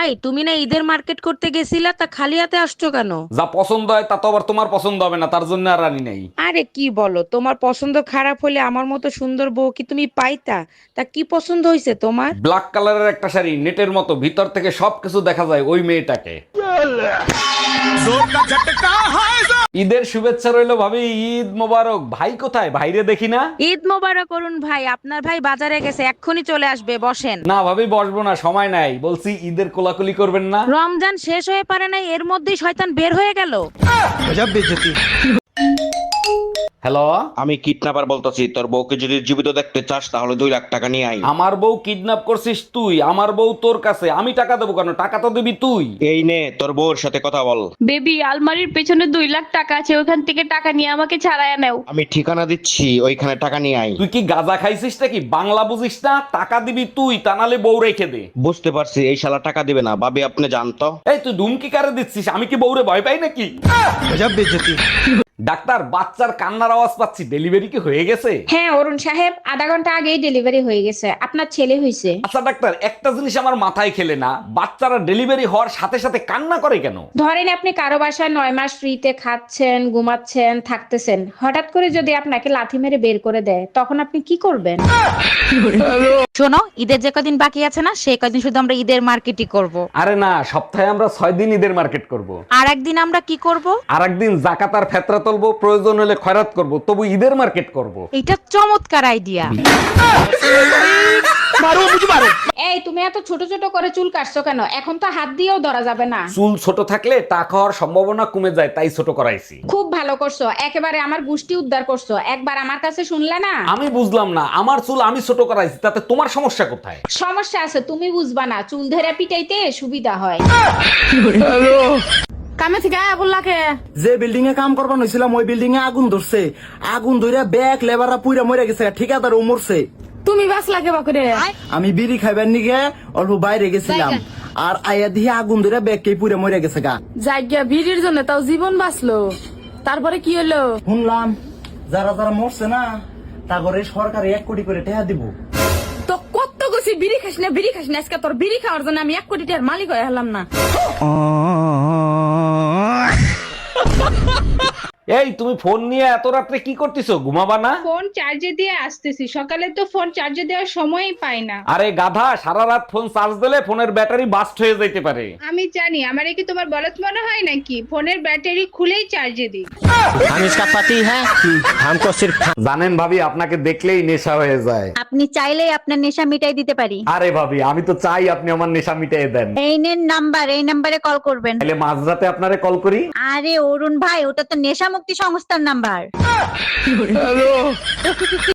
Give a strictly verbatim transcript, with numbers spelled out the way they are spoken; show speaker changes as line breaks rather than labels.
ভাই তুমি না ঈদের মার্কেট করতে গেছিলা, তা খালি হাতে আসছো কেন?
যা পছন্দ হয় তা তো আবার তোমার পছন্দ হবে না, তার জন্য আর আনি নাই।
আরে কি বলো, তোমার পছন্দ খারাপ হলে আমার মতো সুন্দর বউ কি তুমি পাইতা? তা কি পছন্দ হয়েছে তোমার?
ব্ল্যাক কালারের একটা শাড়ি, নেটের মতো, ভিতর থেকে সবকিছু দেখা যায় ওই মেয়েটাকে। ঈদের শুভেচ্ছা রইলো ভাবি, ঈদ মোবারক। ভাই কোথায়? ভাইরে দেখি না।
ঈদ মোবারক করুন ভাই, আপনার ভাই বাজারে গেছে, এক্ষুনি চলে আসবে, বসেন।
না ভাবি, বসবো না, সময় নাই। বলছি ঈদের কোলাকুলি করবেন না।
রমজান শেষ হয়ে পারে নাই, এর মধ্যেই শয়তান বের হয়ে গেল।
হ্যালো,
আমি কিডন্যাপার বলতেছি, তোর বউকে যদি জীবিত দেখতে চাস তাহলে দুই লাখ টাকা নিয়ে আই।
আমার বউ কিডন্যাপ করছিস তুই? আমার বউ তোর কাছে, আমি টাকা দেবো কেন? টাকা তো দিবি তুই।
এই নে তোর বউর সাথে কথা বল।
বেবি, আলমারির পেছনে দুই লাখ টাকা আছে, ওখান থেকে টাকা নিয়ে আমাকে ছাড়াইয়া নাও।
আমি ঠিকানা দিচ্ছি, ওইখানে টাকা নিয়ে আই।
তুই কি গাঁজা খাইছিস নাকি? বাংলা বুঝিস না? টাকা দিবি তুই, তা নালে বউ রেখে দে।
বুঝতে পারছি, এই শালা টাকা দিবে না। ভাবি আপনি জানতো।
এই তুই ধুমকি কারে দিচ্ছিস? আমি কি বউরে ভয় পাই নাকি? ডাক্তার, বাচ্চার কান্নার আওয়াজ পাচ্ছি, ডেলিভারি কি হয়ে গেছে?
হ্যাঁ অরুণ সাহেব, আধা ঘন্টা আগেই ডেলিভারি হয়ে গেছে, আপনার ছেলে হয়েছে।
আচ্ছা ডাক্তার, একটা জিনিস আমার মাথায় খেলে না, বাচ্চারা ডেলিভারি হওয়ার সাথে সাথে কান্না করে কেন?
ধরেন আপনি কারো বাসায় নয় মাস ফ্রিতে খাচ্ছেন, ঘুমাচ্ছেন, থাকতেছেন, হঠাৎ করে যদি আপনাকে লাথি মেরে বের করে দেয়, তখন আপনি কি করবেন?
শোনো, ঈদের যে কদিন বাকি আছে না, সেই কদিন শুধু আমরা ঈদের মার্কেটই করব।
আরে না, সপ্তাহে আমরা ছয় দিন ঈদের মার্কেট করব।
আর একদিন আমরা কি করব?
আর একদিন জাকাত আর ফেতরা তুলবো, প্রয়োজন হলে খয়রাত করব, তবু ঈদের মার্কেট করব।
এটা চমৎকার আইডিয়া।
এই তুমি এত ছোট ছোট করে চুল কাটছো কেন? এখন তো হাত দিয়েও ধরা যাবে না।
চুল ছোট থাকলে টাকা হওয়ার সম্ভাবনা কমে যায়, তাই ছোট করাইছি।
খুব ভালো করছো, একেবারে আমার গুষ্টি উদ্ধার করছো। একবার আমার কাছে শুনলে না?
আমি বুঝলাম না, আমার চুল আমি ছোট করাইছি, তাতে তোমার সমস্যা কোথায়?
সমস্যা আছে, তুমি বুঝবা না। চুল ধরে পিটাইতে সুবিধা হয়।
কামে থেকে আয়া বললাকে
যে বিল্ডিং এ কাম করবার হয়েছিলাম ওই বিল্ডিং এ আগুন ধরছে। আগুন ধরে ব্যাগ লেবাররা পুইরা মরে গেছে, ঠিকাদার ও মরছে।
তুমি বাস লাগে বাকরে।
আমি বিড়ি খাইবার নিগে অল্প বাইরে গেছিলাম, আর আয়া দিয়ে আগুন ধরে ব্যাগ কে পুইরা মরে গেছে গা।
জায়গা ভিড়ের জন্য তাও জীবন বাঁচলো, তারপরে কি হলো?
শুনলাম যারা যারা মরছে না, তা করে সরকারে এক কোটি করে টাকা দিব।
তো কত গেছি বিড়ি খাস না, বিড়ি খাস না, আজকে তোর বিড়ি খাওয়ার জন্য আমি এক কোটি টাকার মালিক হয়ে হলাম না।
এই তুমি ফোন নিয়ে এত রাত্রে কি করতেছো? ঘুমাবা না?
ফোন চার্জে দিয়ে আসতেছি, সকালে তো ফোন চার্জে দেওয়ার সময়ই পাই না।
আরে গাধা, সারা রাত ফোন চার্জ দিলে ফোনের ব্যাটারি বাস্ট হয়ে যেতে পারে।
আমি জানি, আমার কি তোমার বলদ মনে হয় নাকি? ফোনের ব্যাটারি খুলেই চার্জে দিই।
हम इसका पति है, हमको सिर्फ
জানেন ভাবি, আপনাকে দেখলেই নেশা হয়ে যায়।
আপনি চাইলেই আপনার নেশা মিটাই দিতে পারি।
আরে ভাবি, আমি তো চাই আপনি আমার নেশা মিটিয়ে দেন।
এই নেন নাম্বার, এই নাম্বারে কল করবেন।
তাহলে মাঝরাতে আপনারে কল করি।
আরে অরুণ ভাই, ওটা তো নেশা মুক্তি সংস্থার নাম্বার।